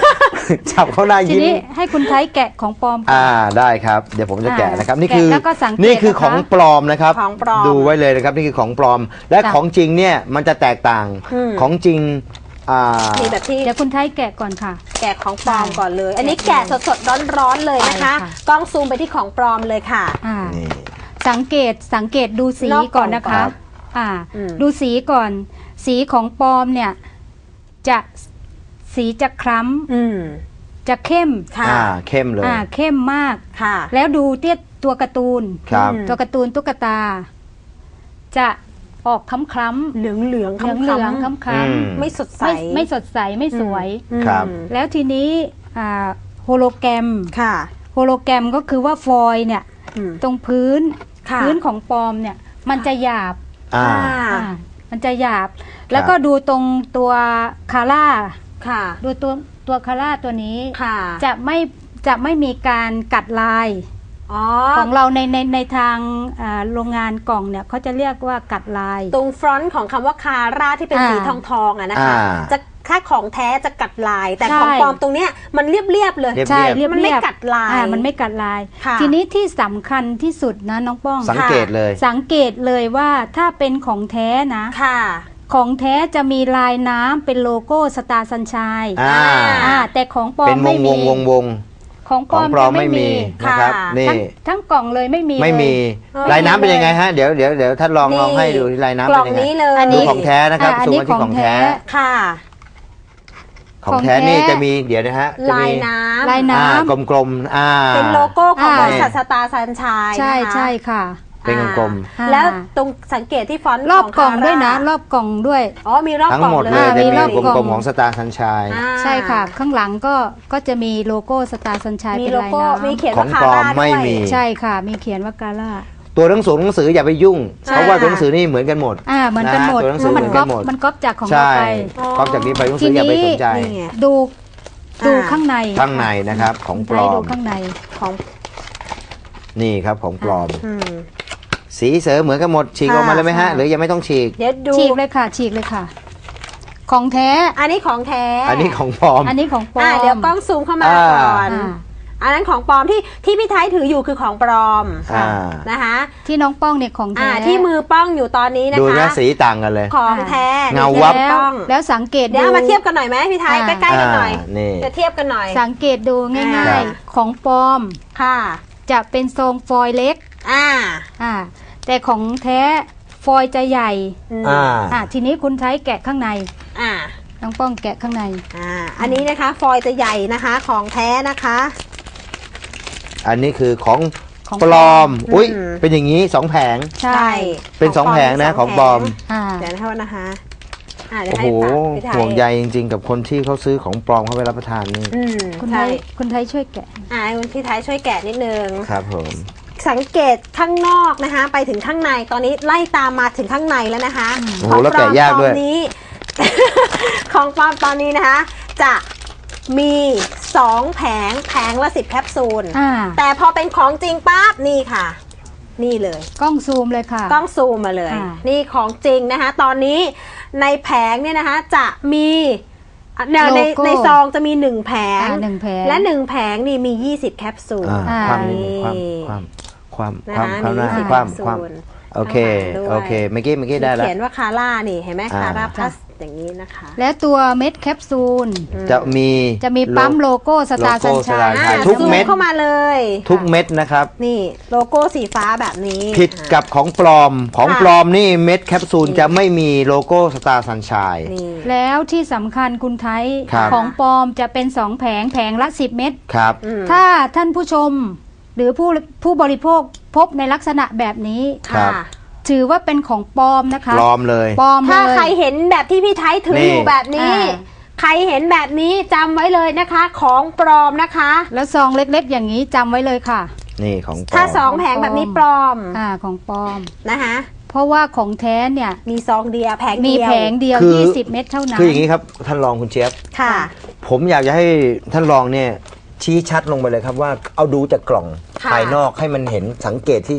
[SPEAKER 3] จับเขาหน้า
[SPEAKER 4] ที
[SPEAKER 3] ยิ้ม
[SPEAKER 4] นี้ให้คุณไทยแกะของปลอมก่อน
[SPEAKER 3] อ่าได้ครับ เดี๋ยวผมจะแกะนะครับ นี่
[SPEAKER 4] แกะ
[SPEAKER 3] คือ
[SPEAKER 4] แล้วก็สังเกต
[SPEAKER 3] นี่คือ
[SPEAKER 4] นะคะ
[SPEAKER 3] ของปลอมนะครับ
[SPEAKER 2] ของปลอม
[SPEAKER 3] ดูไว้เลยนะครับ นี่คือของปลอม และ
[SPEAKER 4] จ้ะ
[SPEAKER 3] ของจริงเนี่ยมันจะแตกต่าง
[SPEAKER 2] อืม
[SPEAKER 3] ของจริงอ่า
[SPEAKER 2] นี่แบบที่
[SPEAKER 4] เดี๋ยวคุณไทยแกะก่อนค่ะ
[SPEAKER 2] แกะของปลอม
[SPEAKER 4] ใช่
[SPEAKER 2] ก่อนเลย อันนี้แกะสดๆร้อนๆเลยนะคะ
[SPEAKER 4] ใช่ค่ะ
[SPEAKER 2] กล้องซูมไปที่ของปลอมเลยค่ะ
[SPEAKER 4] อ่า
[SPEAKER 3] นี่
[SPEAKER 4] สังเกตสังเกตดูสี
[SPEAKER 2] นอกกล่อง
[SPEAKER 4] ก่อนนะคะ
[SPEAKER 3] ครับ
[SPEAKER 4] อ่า
[SPEAKER 2] อืม
[SPEAKER 4] ดูสีก่อน สีของปลอมเนี่ยจะสีจะคล้
[SPEAKER 2] อืม
[SPEAKER 4] ำจะเข้ม
[SPEAKER 2] ค่ะ
[SPEAKER 3] อ่าเข้มเลย
[SPEAKER 4] อ่าเข้มมาก
[SPEAKER 2] ค่ะ
[SPEAKER 4] แล้วดูเตี้ยตัวการ์ตูน
[SPEAKER 3] ครับ
[SPEAKER 2] อืม
[SPEAKER 4] ตัวการ์ตูนตุ๊กตา จะออกคล้ำคล้ำ
[SPEAKER 2] เหลืองเหลือง
[SPEAKER 4] เหลืองเหลืองคล้ำคล้
[SPEAKER 3] อืม
[SPEAKER 2] ๆไม่สด
[SPEAKER 4] ำ
[SPEAKER 2] ใส
[SPEAKER 4] ไม่ไม่สดใสไม่สวย
[SPEAKER 2] อืม
[SPEAKER 3] ครับ
[SPEAKER 4] แล้วทีนี้อ่าโฮโลแกรม
[SPEAKER 2] ค่ะ
[SPEAKER 4] โฮโลแกรมก็คือว่าฟอยล์เนี่ย
[SPEAKER 2] อืม
[SPEAKER 4] ตรงพื้น
[SPEAKER 2] ค่ะ
[SPEAKER 4] พื้นของปลอมเนี่ย มันจะหยาบ
[SPEAKER 3] อ่า
[SPEAKER 4] อ่ามันจะหยาบ แล้วก็ดูตรงตัวคาร่า
[SPEAKER 2] ค่ะ
[SPEAKER 4] ดูตัวตัวคาร่าตัวนี้
[SPEAKER 2] ค่ะ
[SPEAKER 4] จะไม่จะไม่มีการกัดลาย
[SPEAKER 2] อ๋อ
[SPEAKER 4] ของเราในในในทางอ่าโรงงานกล่องเนี่ยเขาจะเรียกว่ากัดลาย
[SPEAKER 2] ตรงฟรอนต์ของคำว่าคาร่าที่เป็น
[SPEAKER 4] อ่า
[SPEAKER 2] สีทองทองๆอะนะคะ
[SPEAKER 3] อ่า
[SPEAKER 2] จะถ้าของแท้จะกัดลาย แต่
[SPEAKER 4] ใช่
[SPEAKER 2] ของปลอมตรงเนี้ยมันเรียบๆเลย
[SPEAKER 3] เรียบ
[SPEAKER 4] ใช่เรียบ
[SPEAKER 2] มันไม่
[SPEAKER 4] เรียบ
[SPEAKER 2] กัดลาย
[SPEAKER 4] อ่มันไม่กัดลาย
[SPEAKER 2] ค่ะ
[SPEAKER 4] ทีนี้ที่สำคัญที่สุดนะน้องป้อง
[SPEAKER 3] สังเกตเลย
[SPEAKER 4] สังเกตเลยว่าถ้าเป็นของแท้นะ
[SPEAKER 2] ค่ะ
[SPEAKER 4] ของแท้จะมีลายน้ำเป็นโลโก้สตาร์สัญชัย
[SPEAKER 3] อ่า
[SPEAKER 4] อ่าแต่ของปลอ
[SPEAKER 3] เป็น
[SPEAKER 4] ม
[SPEAKER 3] ว
[SPEAKER 4] ไม่
[SPEAKER 3] งว
[SPEAKER 4] มี
[SPEAKER 3] งวงวง
[SPEAKER 4] ของป
[SPEAKER 3] ข
[SPEAKER 4] ล
[SPEAKER 3] อ
[SPEAKER 4] อง ม
[SPEAKER 3] ปลอม
[SPEAKER 4] จะ
[SPEAKER 3] ไม่มีนะครับ
[SPEAKER 2] ค่ะ
[SPEAKER 3] นี่
[SPEAKER 4] ทั้งทั้งกล่องเลยไม่มี
[SPEAKER 3] ไม่มี
[SPEAKER 2] เออ
[SPEAKER 3] ลายน้ำเป็นยังไงฮะ เดี๋ยวเดี๋ยวเดี๋ยวท่านลอง
[SPEAKER 2] นี่
[SPEAKER 3] ลองให้ดูที่ลายน้ำ
[SPEAKER 2] ก
[SPEAKER 3] เป็
[SPEAKER 2] ล่
[SPEAKER 3] น
[SPEAKER 2] อง
[SPEAKER 3] ยังไง
[SPEAKER 2] นี้เลย
[SPEAKER 4] อัน
[SPEAKER 3] ดู
[SPEAKER 4] นี้
[SPEAKER 3] ของแท้นะครับ
[SPEAKER 4] อ่าอัน
[SPEAKER 3] ซูม
[SPEAKER 4] นี้
[SPEAKER 3] มาที่
[SPEAKER 4] ข
[SPEAKER 3] ข
[SPEAKER 4] อ
[SPEAKER 3] อง ง
[SPEAKER 4] แท้
[SPEAKER 3] แท้
[SPEAKER 2] ค่ะ
[SPEAKER 3] ของแท้
[SPEAKER 4] ของแท้
[SPEAKER 3] นี่จะมีเดี๋ยวนะฮะจะ
[SPEAKER 2] ลาย
[SPEAKER 3] มี
[SPEAKER 2] น้ำ
[SPEAKER 4] ลายน้
[SPEAKER 3] อ่ากลมๆอ่า
[SPEAKER 2] เป็นโลโก้ของ
[SPEAKER 4] อ่า
[SPEAKER 2] บริษัทสตาร์สัญชัย
[SPEAKER 4] ำใช่
[SPEAKER 2] นะคะ
[SPEAKER 4] ใช่ค่ะ
[SPEAKER 3] เป็นกลม
[SPEAKER 4] อ่า
[SPEAKER 2] แล้วตรงสังเกตที่ฟอนต์
[SPEAKER 4] รอบ
[SPEAKER 2] ข
[SPEAKER 4] กล่องด้วยนะ
[SPEAKER 2] คาร
[SPEAKER 4] อบกล่องด้วย
[SPEAKER 2] อ๋อมีรอบ
[SPEAKER 3] ทั้ง
[SPEAKER 2] กล่อง
[SPEAKER 3] หมด
[SPEAKER 2] เล
[SPEAKER 3] เลย
[SPEAKER 2] ย
[SPEAKER 3] จะ
[SPEAKER 4] มี
[SPEAKER 3] มี
[SPEAKER 4] รอบ
[SPEAKER 3] ก
[SPEAKER 4] กล่
[SPEAKER 3] ล
[SPEAKER 4] อง
[SPEAKER 3] มๆของสตาร์สัญชัย
[SPEAKER 2] อ่า
[SPEAKER 4] ใช่ค่ะ ข้างหลังก็ก็จะมีโลโก้สตาร์สัญชัย
[SPEAKER 2] มี
[SPEAKER 4] เป็น
[SPEAKER 2] โล
[SPEAKER 4] ลาย
[SPEAKER 2] โก้
[SPEAKER 4] น้
[SPEAKER 2] มีเขียน
[SPEAKER 3] ขอ
[SPEAKER 2] ว่าง คา
[SPEAKER 3] ปลอม
[SPEAKER 2] ร่า
[SPEAKER 3] ไม่
[SPEAKER 2] ด้วย
[SPEAKER 3] มี
[SPEAKER 4] ำใช่ค่ะ มีเขียนว่ากาล่า
[SPEAKER 3] ตัวหนังสือหนังสืออย่าไปยุ่ง เพราะว่าตัวหนังสือนี่เหมือนกันหมด
[SPEAKER 4] อ่าเหมือนกันหมด
[SPEAKER 3] ะตัวหนัง
[SPEAKER 4] เพ
[SPEAKER 3] สือ
[SPEAKER 4] ราะ
[SPEAKER 3] เห
[SPEAKER 4] มั
[SPEAKER 3] มื
[SPEAKER 4] น
[SPEAKER 3] อน
[SPEAKER 4] ก๊
[SPEAKER 3] กั
[SPEAKER 4] อน ป
[SPEAKER 3] หมด
[SPEAKER 4] มันก๊อปจากของ
[SPEAKER 3] ใช่
[SPEAKER 4] เราไป
[SPEAKER 3] ก๊อปจากนี้ไปหนังสืออย่าไปสนใจ
[SPEAKER 2] นี่ไง
[SPEAKER 4] ดูดู
[SPEAKER 2] อ่า
[SPEAKER 4] ข้างใน
[SPEAKER 3] ข้างในนะครับของปล
[SPEAKER 4] ให้
[SPEAKER 3] อ
[SPEAKER 4] ดู
[SPEAKER 3] ม
[SPEAKER 4] ข้างใน
[SPEAKER 2] ของ
[SPEAKER 3] นี่ครับของปลอม
[SPEAKER 2] อืม
[SPEAKER 3] สีเสริมเหมือนกันหมดฉีกออกมาเลยไหมฮะ
[SPEAKER 4] ใช่
[SPEAKER 3] หรือยังไม่ต้องฉีก
[SPEAKER 2] เดี๋ยวดู
[SPEAKER 4] ฉีกเลยค่ะ ฉีกเลยค่ะ ของแท้
[SPEAKER 2] อันนี้ของแท้
[SPEAKER 3] อันนี้ของปลอม
[SPEAKER 4] อันนี้ของปลอ
[SPEAKER 2] อ่าม เดี๋ยวกล้องซูมเข้ามา
[SPEAKER 3] อ่า
[SPEAKER 2] ก่อน
[SPEAKER 4] อ่า
[SPEAKER 2] อันนั้นของปลอมที่ที่พี่ไทยถืออยู่คือของปลอม
[SPEAKER 3] อ่า
[SPEAKER 2] นะคะ
[SPEAKER 4] ที่น้องป้องเนี่ยของ
[SPEAKER 2] อ่า
[SPEAKER 4] แท้
[SPEAKER 2] ที่มือป้องอยู่ตอนนี้นะ
[SPEAKER 3] ดู
[SPEAKER 2] คะ
[SPEAKER 3] นะสีต่างกันเลย
[SPEAKER 2] ของแท้
[SPEAKER 3] เงาวับ
[SPEAKER 2] นี่
[SPEAKER 4] แล้ว
[SPEAKER 2] ป้อง
[SPEAKER 4] แล้วสังเกต
[SPEAKER 2] เดี๋ยวเอามาเทียบกันหน่อยไหมพี่ไทย
[SPEAKER 4] อ่า
[SPEAKER 2] ใกล้ๆกันหน่อย
[SPEAKER 3] อ่านี่
[SPEAKER 2] จะเทียบกันหน่อย
[SPEAKER 4] สังเกตดูง่า
[SPEAKER 2] อ่า
[SPEAKER 4] ยๆ ของปลอม
[SPEAKER 2] ค่ะ
[SPEAKER 4] จะเป็นทรงฟอยล์เล็ก
[SPEAKER 2] อ่า
[SPEAKER 4] อ่า แต่ของแท้ฟอยล์จะใหญ่
[SPEAKER 2] อืม
[SPEAKER 3] อ่า
[SPEAKER 4] อ่า ทีนี้คุณใช้แกะข้างใน
[SPEAKER 2] อ่า
[SPEAKER 4] น้องป้องแกะข้างใน
[SPEAKER 2] อ่าอันนี้นะคะ ฟอยล์จะใหญ่นะคะ ของแท้นะคะ
[SPEAKER 3] อันนี้คือของ
[SPEAKER 4] ของ
[SPEAKER 3] ปลอม อุ้ย
[SPEAKER 2] อืม
[SPEAKER 3] เป็นอย่างนี้สองแผง
[SPEAKER 4] ใช่
[SPEAKER 3] เป็นสองแผงนะของปลอม
[SPEAKER 4] อ่า
[SPEAKER 2] เดี๋ยวนะคะนะคะอ่าเดี๋ยว
[SPEAKER 3] โอ้
[SPEAKER 2] ให้
[SPEAKER 3] โห
[SPEAKER 2] ฝากพี่ไทย
[SPEAKER 3] ห่วงใยจริงๆ กับคนที่เขาซื้อของปลอมเข้าไปรับประทานนี่
[SPEAKER 2] อืม
[SPEAKER 4] คุณไท
[SPEAKER 2] ใช่
[SPEAKER 4] ยคุณไทยช่วยแกะ
[SPEAKER 2] อ่าให้คุณพี่ไทยช่วยแกะนิดนึง
[SPEAKER 3] ครับผม
[SPEAKER 2] สังเกตข้างนอกนะคะ ไปถึงข้างในตอนนี้ไล่ตามมาถึงข้างในแล้วนะคะ
[SPEAKER 3] โอ้โหแล้วแกะยากด้วย
[SPEAKER 2] ตอนนี้ ของปลอมตอนนี้นะคะ จะมีสองแผงแผงละสิบแคปซูล
[SPEAKER 4] อ่า
[SPEAKER 2] แต่พอเป็นของจริงปั๊บนี่ค่ะ นี่เลย
[SPEAKER 4] กล้องซูมเลยค่ะ
[SPEAKER 2] กล้องซูมมาเลย
[SPEAKER 4] อ่า
[SPEAKER 2] นี่ของจริงนะคะ ตอนนี้ในแผงเนี่ยนะคะ จะมีในในในซองจะมีหนึ่งแผง
[SPEAKER 4] อ่าหนึ่งแผง
[SPEAKER 2] และหนึ่งแผงนี่มียี่สิบแคปซูล
[SPEAKER 3] อ่า
[SPEAKER 4] อ่า
[SPEAKER 3] ความนิดนึงความความ
[SPEAKER 2] นะ
[SPEAKER 3] ความ
[SPEAKER 2] คะ
[SPEAKER 3] ความความหน้า
[SPEAKER 2] มี
[SPEAKER 3] ความ
[SPEAKER 2] แคปซูล
[SPEAKER 3] ความโอเค
[SPEAKER 2] ข้างหลังด้วย
[SPEAKER 3] โอเคเมื่อกี้เมื่อกี้ได้แล้ว
[SPEAKER 2] เขียนว่าคาร่านี่เห็นไหม
[SPEAKER 3] อ่า
[SPEAKER 2] คาร่าพลัสอย่างนี้นะคะ
[SPEAKER 4] และตัวเม็ดแคปซูล
[SPEAKER 3] จะมี
[SPEAKER 4] จะมีปั๊มโลโก้สตาร์
[SPEAKER 3] โล
[SPEAKER 4] สัญ
[SPEAKER 3] โก้
[SPEAKER 4] ชัย
[SPEAKER 3] Star ใช่
[SPEAKER 2] อ่า
[SPEAKER 3] ทุก
[SPEAKER 2] ซู
[SPEAKER 3] เม็ด
[SPEAKER 2] เข้ามาเลย
[SPEAKER 3] ทุกเม็ดนะครับ
[SPEAKER 2] นี่โลโก้สีฟ้าแบบนี้
[SPEAKER 3] ผิดกับของปลอมของ
[SPEAKER 2] ค่ะ
[SPEAKER 3] ปลอมนี่เม็ดแคปซูลจะไม่มีโลโก้สตาร์สัญชัย
[SPEAKER 2] นี่
[SPEAKER 4] แล้วที่สำคัญคุณไทย
[SPEAKER 3] ครับ
[SPEAKER 4] ของปลอมจะเป็นสองแผงแผงละสิบเม็ด
[SPEAKER 3] ครับ
[SPEAKER 2] อืม
[SPEAKER 4] ถ้าท่านผู้ชม หรือผู้ผู้บริโภคพบในลักษณะแบบนี้
[SPEAKER 3] ครับ
[SPEAKER 2] ค่ะ
[SPEAKER 4] ถือว่าเป็นของปลอมนะคะ
[SPEAKER 3] ปลอมเลย
[SPEAKER 4] ปลอมเลย
[SPEAKER 2] ถ้าใครเห็นแบบที่พี่ไทยถือ
[SPEAKER 3] นี่
[SPEAKER 2] อยู่แบบนี้
[SPEAKER 4] อ่า
[SPEAKER 2] ใครเห็นแบบนี้จำไว้เลยนะคะ ของปลอมนะคะ
[SPEAKER 4] แล้วซองเล็กๆ อย่างนี้จำไว้เลยค่ะ
[SPEAKER 3] นี่ของปลอม
[SPEAKER 2] ถ้าสองแผงแบบนี้ปลอม
[SPEAKER 4] อ่าของปลอม
[SPEAKER 2] นะคะ
[SPEAKER 4] เพราะว่าของแท้เนี่ย
[SPEAKER 2] มีซองเดียวแผง
[SPEAKER 4] มี
[SPEAKER 2] เดียว
[SPEAKER 4] แผงเดียว
[SPEAKER 3] คือ
[SPEAKER 4] ยี่สิบเม็ดเท่านั้น
[SPEAKER 3] คืออย่างนี้ครับท่านรองคุณเจี๊ยบ
[SPEAKER 2] ค่ะ
[SPEAKER 3] ผมอยากจะให้ท่านรองเนี่ยชี้ชัดลงไปเลยครับว่าเอาดูจากกล่อง
[SPEAKER 2] ค่ะ
[SPEAKER 3] ภายนอกให้มันเห็นสังเกตที่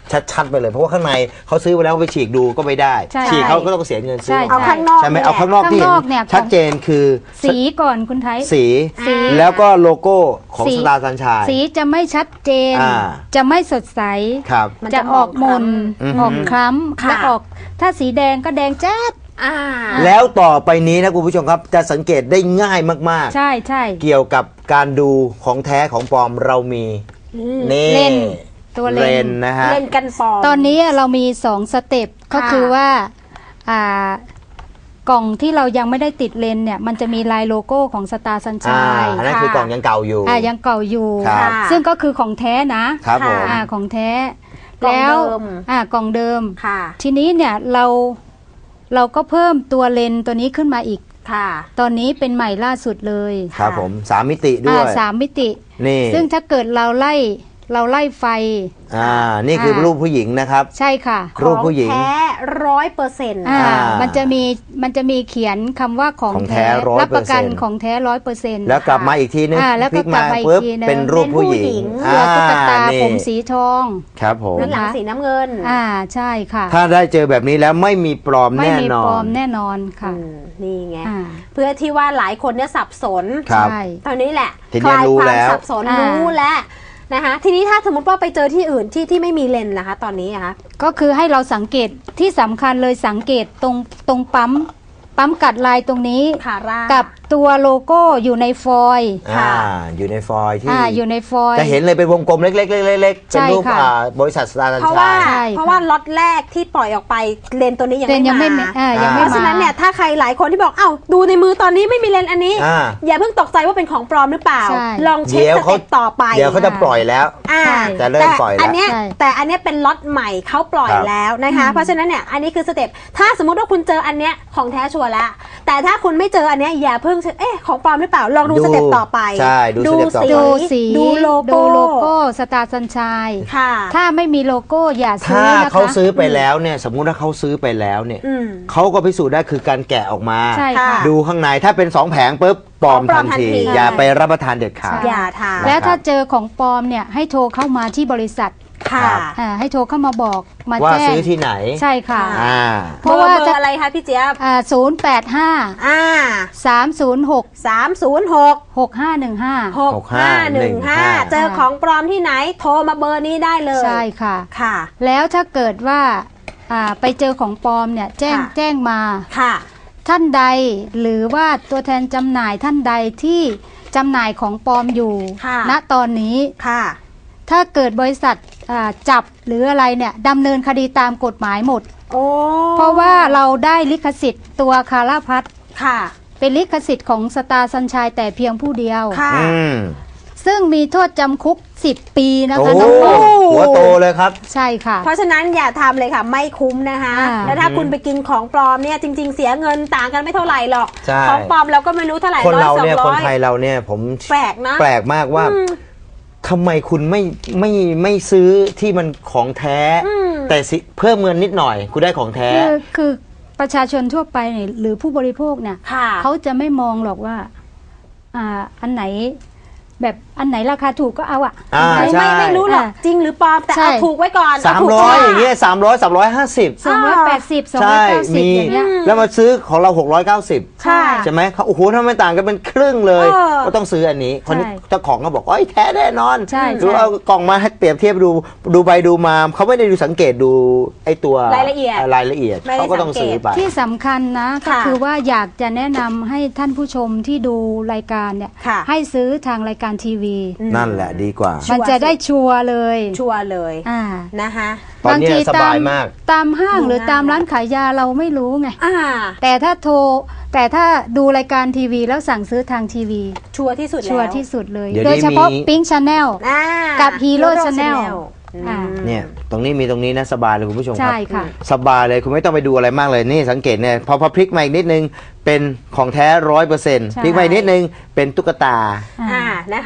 [SPEAKER 3] ชัดๆไปเลยเพราะว่าข้างในเขาซื้อไปแล้วไปฉีกดูก็ไม่ได้
[SPEAKER 4] ใช่
[SPEAKER 3] ฉีกเขาก็ต้องเสียเงินซื้อ
[SPEAKER 4] ใช่
[SPEAKER 2] เอาข้างนอก
[SPEAKER 3] ใช่ไหม
[SPEAKER 2] นี่แหละ
[SPEAKER 3] เอาข้างนอกที่
[SPEAKER 4] ข้าง
[SPEAKER 3] เห็
[SPEAKER 4] นอกเนี่ย
[SPEAKER 3] นชัดเจนคือ
[SPEAKER 4] สีก่อนคุณไทย
[SPEAKER 3] สี
[SPEAKER 4] สี
[SPEAKER 3] แล้วก็โลโก้ของ
[SPEAKER 4] สี
[SPEAKER 3] สตาร์สัญชัย
[SPEAKER 4] สีจะไม่ชัดเจน
[SPEAKER 3] อ่า
[SPEAKER 4] จะไม่สดใส
[SPEAKER 3] ครับ
[SPEAKER 2] มัน
[SPEAKER 4] จะ
[SPEAKER 2] จะ
[SPEAKER 4] ออกหมน
[SPEAKER 3] อืม
[SPEAKER 4] ออกคล้ำ
[SPEAKER 2] ค่ะ
[SPEAKER 4] และออกถ้าสีแดงก็แดงแจ๊ด
[SPEAKER 2] อ่า
[SPEAKER 3] แล้วต่อไปนี้นะคุณผู้ชมครับจะสังเกตได้ง่ายมาก
[SPEAKER 4] ใช่ใช่
[SPEAKER 3] ๆ เกี่ยวกับการดูของแท้ของปลอมเรามีนี่
[SPEAKER 4] เลนส์ตัวเลนส์
[SPEAKER 3] ส์นะฮะ
[SPEAKER 2] เล่นกันปลอม
[SPEAKER 4] ตอนนี้เรามีสองสเต็ปก็คือว่าอ่ากล่องที่เรายังไม่ได้ติดเลนส์เนี่ยมันจะมีลายโลโก้ของสตาร์สัญ
[SPEAKER 3] อ่า
[SPEAKER 4] ชัย
[SPEAKER 3] อันนั้นคือกล่องยังเก่าอยู่
[SPEAKER 4] อ่ายังเก่าอยู่
[SPEAKER 3] ครับ
[SPEAKER 4] ซึ่งก็คือของแท้นะครับ
[SPEAKER 3] ผม
[SPEAKER 4] อ่าของแท้
[SPEAKER 2] กล่อง
[SPEAKER 4] แล้ว
[SPEAKER 2] เดิม
[SPEAKER 4] อ่ากล่องเดิม
[SPEAKER 2] ค่ะ
[SPEAKER 4] ทีนี้เนี่ยเราเราก็เพิ่มตัวเลนส์ตัวนี้ขึ้นมาอีก
[SPEAKER 2] ค่ะ
[SPEAKER 4] ตอนนี้เป็นใหม่ล่าสุดเลย
[SPEAKER 3] ครับผมสามมิติด้
[SPEAKER 4] อ่า
[SPEAKER 3] วย
[SPEAKER 4] สามมิติ
[SPEAKER 3] นี่
[SPEAKER 4] ซึ่งถ้าเกิดเราไล่เราไล่ไฟ
[SPEAKER 3] อ่านี่คือรูปผู้หญิงนะครับ
[SPEAKER 4] ใช่ค่ะ
[SPEAKER 3] รูปผู้หญิง
[SPEAKER 2] ของแท้ร้อยเปอร์เซ็นต์
[SPEAKER 4] อ่า
[SPEAKER 3] อ่ามั
[SPEAKER 4] มันจะมีมันจะมีเขียนคำว่าของ
[SPEAKER 3] ของแท้
[SPEAKER 4] แท้
[SPEAKER 3] ร้อย
[SPEAKER 4] รับประกัน
[SPEAKER 3] เปอร์เซ็นต์
[SPEAKER 4] ของแท้ร้อยเปอร์เซ็นต์
[SPEAKER 3] แล้วกลับมาอีกทีนึง
[SPEAKER 4] อ่าแล้ว
[SPEAKER 3] พ
[SPEAKER 4] ก็
[SPEAKER 3] ลิก
[SPEAKER 4] กลั
[SPEAKER 3] มา
[SPEAKER 4] บมาอีก
[SPEAKER 3] ปุ๊บ
[SPEAKER 4] ทีนึง
[SPEAKER 3] เป็นรูปผู้หญิง
[SPEAKER 4] เสือตุ๊กตา
[SPEAKER 3] นี่
[SPEAKER 4] ผมสีทอง
[SPEAKER 3] ครับผม
[SPEAKER 2] ด้านหลังสีน้ำเงิน
[SPEAKER 4] อ่าใช่ค่ะ
[SPEAKER 3] ถ้าได้เจอแบบนี้แล้วไม่มีปลอม
[SPEAKER 4] ไม่
[SPEAKER 3] แน่
[SPEAKER 4] มี
[SPEAKER 3] นอ
[SPEAKER 4] ปลอน มแน่นอนค่ะ
[SPEAKER 2] อืมนี่ไง
[SPEAKER 4] อ่า
[SPEAKER 2] เพื่อที่ว่าหลายคนเนี่ยสับสน
[SPEAKER 3] ครับ
[SPEAKER 4] ใช่
[SPEAKER 2] ตอนนี้แหละ
[SPEAKER 3] ที
[SPEAKER 2] ค
[SPEAKER 3] นี้
[SPEAKER 2] ลาย
[SPEAKER 3] รู้
[SPEAKER 2] ความ
[SPEAKER 3] แล้ว
[SPEAKER 2] สับสน
[SPEAKER 4] อ่า
[SPEAKER 2] รู้แล้วนะคะ ทีนี้ถ้าสมมติว่าไปเจอที่อื่นที่ที่ไม่มีเลนส์นะคะ ตอนนี้อะคะ
[SPEAKER 4] ก็คือให้เราสังเกตที่สำคัญเลยสังเกตตรงตรงปั๊มปั๊มกัดลายตรงนี้
[SPEAKER 2] ขาร่า
[SPEAKER 4] กับตัวโลโก้อยู่ในฟอยล์
[SPEAKER 3] อ่าอยู่ในฟอยล์ที่
[SPEAKER 4] อ่าอยู่ในฟอยล์
[SPEAKER 3] จะเห็นเลยเป็นวงกลมเล็กๆเล็กๆเป็น
[SPEAKER 4] ใช่
[SPEAKER 3] รูป
[SPEAKER 4] ค่ะ
[SPEAKER 3] อ่าบริษัทสตาร์สัญ
[SPEAKER 2] เพราะว่า
[SPEAKER 3] ชัย
[SPEAKER 4] ใช่
[SPEAKER 2] เพราะว่าล็อตแรกที่ปล่อยออกไปเลนส์ตัวนี้ยัง
[SPEAKER 4] เลนส์ยัง
[SPEAKER 2] ไม่
[SPEAKER 4] ไม่
[SPEAKER 2] มา
[SPEAKER 4] อ่ายัง
[SPEAKER 3] อ่า
[SPEAKER 4] ไม่
[SPEAKER 2] เพราะ
[SPEAKER 4] มา
[SPEAKER 2] ฉะนั้นเนี่ยถ้าใครหลายคนที่บอกเอ้าดูในมือตอนนี้ไม่มีเลนส์อันนี้
[SPEAKER 3] อ่า
[SPEAKER 2] อย่าเพิ่งตกใจว่าเป็นของปลอมหรือเปล่า
[SPEAKER 4] ใช่
[SPEAKER 2] ลองเช็ค
[SPEAKER 3] เดี๋ยว
[SPEAKER 2] ส
[SPEAKER 3] เขา
[SPEAKER 2] เต็ปต่อไป
[SPEAKER 3] เดี๋ยวเขาจะปล่อยแล้ว
[SPEAKER 2] อ่า
[SPEAKER 4] ใช่
[SPEAKER 3] จะเริ่มปล่อยแล้ว
[SPEAKER 2] แต่อันเนี้ย
[SPEAKER 4] ใช่
[SPEAKER 2] แต่อันเนี้ยเป็นล็อตใหม่เขาปล่อย
[SPEAKER 3] ครับ
[SPEAKER 2] แล้วนะคะ เพราะฉะนั้นเนี่ยอันนี้คือสเต็ปถ้าสมมติว่าคุณเจออันเนี้ยของแท้ชัวร์แล้วแต่ถ้าคุณไม่เจออันเนี้ยอย่าเพิ่งเอ๊ะของปลอมหรือเปล่าลองดู
[SPEAKER 3] ดู
[SPEAKER 2] สเต็ปต่อไป
[SPEAKER 3] ใช่ดูสเต็ปต่อไป
[SPEAKER 4] ดูสี
[SPEAKER 2] ดูโลโก้
[SPEAKER 4] ดูโลโก้สตาร์สัญชัย
[SPEAKER 2] ค่ะ
[SPEAKER 4] ถ้าไม่มีโลโก้อย่าซื้
[SPEAKER 3] ถ้า
[SPEAKER 4] อนะคะ
[SPEAKER 3] เขาซื้อไปแล้วเนี่ยสมมุติว่าเขาซื้อไปแล้วเนี่ย
[SPEAKER 2] อืม
[SPEAKER 3] เขาก็พิสูจน์ได้คือการแกะออกมา
[SPEAKER 4] ใช่ค่ะ
[SPEAKER 3] ดูข้างในถ้าเป็นสองแผงปุ๊บปลอม
[SPEAKER 2] ปลอ
[SPEAKER 3] ทั
[SPEAKER 2] ม
[SPEAKER 3] น
[SPEAKER 2] ทัน
[SPEAKER 3] ที
[SPEAKER 2] ที
[SPEAKER 3] อย่าไปรับประทานเด็ดขาด
[SPEAKER 2] อย่าทาน
[SPEAKER 4] แล้วถ้าเจอของปลอมเนี่ยให้โทรเข้ามาที่บริษัท
[SPEAKER 2] ค่ะ
[SPEAKER 4] อ่าให้โทรเข้ามาบอกมา
[SPEAKER 3] ว่า
[SPEAKER 4] แจ้ง
[SPEAKER 3] ซื้อที่ไหน
[SPEAKER 4] ใช่ค่ะ
[SPEAKER 3] อ่า
[SPEAKER 2] เพราะว่าเบอร์อะไรคะพี่เจี๊ยบ
[SPEAKER 4] อ่าศูนย์แปดห้า
[SPEAKER 2] อ่า
[SPEAKER 4] สามศูนย์หก
[SPEAKER 2] สามศูนย์หก
[SPEAKER 4] หกห้าหนึ่งห้า
[SPEAKER 2] หกห้าหนึ่งห้าเจอของปลอมที่ไหน โทรมาเบอร์นี้ได้เลย
[SPEAKER 4] ใช่ค่ะ
[SPEAKER 2] ค่ะ
[SPEAKER 4] แล้วถ้าเกิดว่าอ่าไปเจอของปลอมเนี่ยแจ้ง
[SPEAKER 2] ค่ะ
[SPEAKER 4] แจ้งมา
[SPEAKER 2] ค่ะ
[SPEAKER 4] ท่านใดหรือว่าตัวแทนจำหน่ายท่านใดที่จำหน่ายของปลอมอยู่
[SPEAKER 2] ค่ะ
[SPEAKER 4] ณตอนนี้
[SPEAKER 2] ค่ะ
[SPEAKER 4] ถ้าเกิดบริษัทอ่าจับหรืออะไรเนี่ยดำเนินคดีตามกฎหมายหมด
[SPEAKER 2] โอ้
[SPEAKER 4] เพราะว่าเราได้ลิขสิทธิ์ตัวคาราพัท
[SPEAKER 2] ค่ะ
[SPEAKER 4] เป็นลิขสิทธิ์ของสตาร์สัญชัยแต่เพียงผู้เดียว
[SPEAKER 2] ค่ะ
[SPEAKER 3] อืม
[SPEAKER 4] ซึ่งมีโทษจำคุกสิบปีนะ
[SPEAKER 3] โอ้
[SPEAKER 4] คะน้องปอม
[SPEAKER 3] หัวโตเลยครับ
[SPEAKER 4] ใช่ค่ะ
[SPEAKER 2] เพราะฉะนั้นอย่าทำเลยค่ะ ไม่คุ้มนะคะ
[SPEAKER 4] อ่า
[SPEAKER 2] แล้วถ้าคุณไปกินของปลอมเนี่ยจริง ๆ เสียเงินต่างกันไม่เท่าไหร่หรอก
[SPEAKER 3] ใช่
[SPEAKER 2] ของปลอมเราก็ไม่รู้เท่าไหร่
[SPEAKER 3] คน
[SPEAKER 2] ร้อย
[SPEAKER 3] เรา
[SPEAKER 2] สอง
[SPEAKER 3] เนี่ย
[SPEAKER 2] ร้
[SPEAKER 3] คน
[SPEAKER 2] อย
[SPEAKER 3] ไทยเราเนี่ยผม
[SPEAKER 2] แปลกนะ
[SPEAKER 3] แปลกมากว่า
[SPEAKER 2] อืม
[SPEAKER 3] ทำไมคุณไม่ไม่ไม่ซื้อที่มันของแท้
[SPEAKER 2] อืม
[SPEAKER 3] แต่สิเพิ่มเงินนิดหน่อย คุณได้ของแท้
[SPEAKER 4] คือคือประชาชนทั่วไปเนี่ยหรือผู้บริโภคเนี่ย
[SPEAKER 2] ค่ะ
[SPEAKER 4] เขาจะไม่มองหรอกว่าอ่าอันไหนแบบอันไหนราคาถูกก็เอาอะ
[SPEAKER 3] อ่า
[SPEAKER 2] ไม่
[SPEAKER 3] ใช่
[SPEAKER 2] ไม่ไม่รู้หรอกจริงหรือปลอมแต่
[SPEAKER 4] ใช่
[SPEAKER 2] เอาถูกไว้ก่อน
[SPEAKER 3] สาม
[SPEAKER 2] เถูก
[SPEAKER 3] ร้อย
[SPEAKER 2] ก่น
[SPEAKER 3] อย่างเงี้ยสามร้อยสามร้อยห้าสิบ
[SPEAKER 4] สองร้อยแปดสิบสองร้
[SPEAKER 3] ใช่
[SPEAKER 4] อยเก้าสิบ
[SPEAKER 3] มี
[SPEAKER 4] อย่างเงี้ย
[SPEAKER 3] แล้วมาซื้อของเราหกร้อยเก้าสิบ
[SPEAKER 2] ใช่
[SPEAKER 3] ใช่ไหมเขาโอ้โหทำไมต่างกันเป็นครึ่งเลย
[SPEAKER 2] เออ
[SPEAKER 3] ก็ต้องซื้ออันนี้คนนี้
[SPEAKER 4] ใช่
[SPEAKER 3] เจ้าของก็บอกโอ้ยแท้แน่นอน
[SPEAKER 4] ใช่
[SPEAKER 3] ดู
[SPEAKER 4] ใช่
[SPEAKER 3] เอากล่องมาให้เปรียบเทียบดูดูไปดูมาเขาไม่ได้ดูสังเกตดูไอ้ตัว
[SPEAKER 2] รายละเอียด
[SPEAKER 3] รายละเอียด
[SPEAKER 2] ไม่ได้
[SPEAKER 3] เขาก็ต้องซื้อไป
[SPEAKER 4] ที่สำคัญนะก็
[SPEAKER 2] ค่ะ
[SPEAKER 4] คือว่าอยากจะแนะนำให้ท่านผู้ชมที่ดูรายการเนี่ย
[SPEAKER 2] ค่ะ
[SPEAKER 4] ให้ซื้อทางรายการทีวี
[SPEAKER 3] นั่นแหละดีกว่า
[SPEAKER 4] มันจะได้ชัวร์เลย
[SPEAKER 2] ชัวร์เลย
[SPEAKER 4] อ่า
[SPEAKER 2] นะคะ
[SPEAKER 3] ตอนเนี้ยสบายมาก
[SPEAKER 4] ตามห้างหรือ
[SPEAKER 2] ดูง่าย
[SPEAKER 4] ตามร้านขายยาเราไม่รู้ไง
[SPEAKER 2] อ่า
[SPEAKER 4] แต่ถ้าโทรแต่ถ้าดูรายการทีวีแล้วสั่งซื้อทางทีวี
[SPEAKER 2] ชัวร์ที่สุดแล้ว
[SPEAKER 4] ชัวร์ที่สุดเลย
[SPEAKER 3] เดี๋ยว
[SPEAKER 4] โดย
[SPEAKER 3] นี้
[SPEAKER 4] เฉพาะ
[SPEAKER 3] มี
[SPEAKER 4] Pink Channel
[SPEAKER 2] อ่า
[SPEAKER 4] กับ Hero
[SPEAKER 2] Hero
[SPEAKER 4] Channel
[SPEAKER 2] Channel
[SPEAKER 4] อ่า
[SPEAKER 3] เนี่ยตรงนี้มีตรงนี้นะสบายเลยคุณผู้ชมครั
[SPEAKER 4] ใช่ค่ะ
[SPEAKER 3] สบายเลยคุณไม่ต้องไปดูอะไรมากเลยนี่สังเกตเนี่ยพอพอพลิกมาอีกนิดนึงเป็นของแท้ร้อยเปอร์เซ็นต์
[SPEAKER 4] ใช่
[SPEAKER 3] พลิกมาอีกนิดนึงเป็นตุ๊กตา
[SPEAKER 2] อ่านะคะ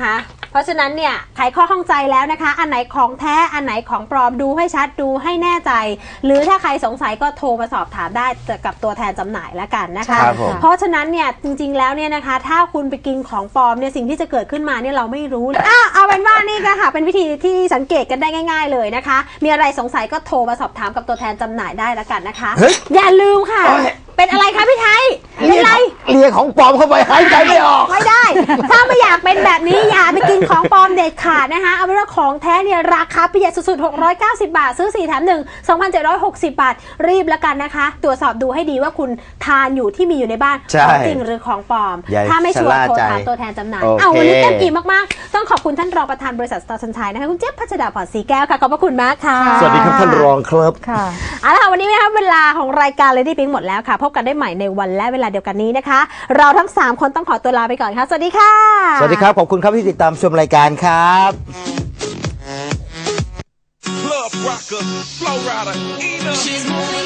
[SPEAKER 2] เพราะฉะนั้นเนี่ยไขข้อข้องใจแล้วนะคะ อันไหนของแท้อันไหนของปลอมดูให้ชัดดูให้แน่ใจ หรือถ้าใครสงสัยก็โทรมาสอบถามได้กับตัวแทนจำหน่ายแล้วกันนะคะ
[SPEAKER 3] ครับผม
[SPEAKER 2] เพราะฉะนั้นเนี่ยจริงๆแล้วเนี่ยนะคะ ถ้าคุณไปกินของปลอมเนี่ยสิ่งที่จะเกิดขึ้นมาเนี่ยเราไม่รู้อ่ะเอาเป็นว่านี่ก็ค่ะเป็นวิธีที่สังเกตกันได้ง่าย ๆเลยนะคะ มีอะไรสงสัยก็โทรมาสอบถามกับตัวแทนจำหน่ายได้แล้วกันนะคะ
[SPEAKER 3] เฮ้ย
[SPEAKER 2] อย่าลืมค่ะ เป็นอะไรคะพี่ไทยเป็นไร
[SPEAKER 3] เลียของปลอมเข้าไปหายใจไม่ออก
[SPEAKER 2] ไม่ได้ ถ้าไม่อยากเป็นแบบนี้อย่าไปกินของปลอมเด็ดขาดนะคะเอาเป็นว่าของแท้เนี่ยราคาประหยัดสุดๆหกร้อยเก้าสิบบาทซื้อสี่แถมหนึ่ง สองพันเจ็ดร้อยหกสิบ บาทรีบแล้วกันนะคะ ตรวจสอบดูให้ดีว่าคุณทานอยู่ที่มีอยู่ในบ้าน
[SPEAKER 3] ใช่
[SPEAKER 2] ของจริงหรือของปลอม
[SPEAKER 3] อย่า
[SPEAKER 2] ถ้าไม่ชัวร์
[SPEAKER 3] ชะล่า
[SPEAKER 2] โทร
[SPEAKER 3] ใจ
[SPEAKER 2] ถามตัวแทนจำหน่าย
[SPEAKER 3] โอเค
[SPEAKER 2] เอาวันนี้เต็มอิ่มมากๆต้องขอบคุณท่านรองประธานบริษัทสตาร์สัญชัยนะคะคุณเจี๊ยบพัชดาพรศรีแก้วค่ะขอบพระคุณมากค่ะ
[SPEAKER 3] สวัสดีครับท่านรองครับ
[SPEAKER 4] ค่ะ
[SPEAKER 2] เอาละค่ะวันนี้นะคะเวลาของรายการ Lady Pink หมดแล้วค่ะพบกันได้ใหม่ในวันและเวลาเดียวกันนี้นะคะ เราทั้งสามคนต้องขอตัวลาไปก่อนค่ะสวัสดีค่ะ
[SPEAKER 3] สวัสดีครับ ขอบคุณครับที่ติดตามชมรายการครับ
[SPEAKER 8] Club rocker, flow rider, Ena.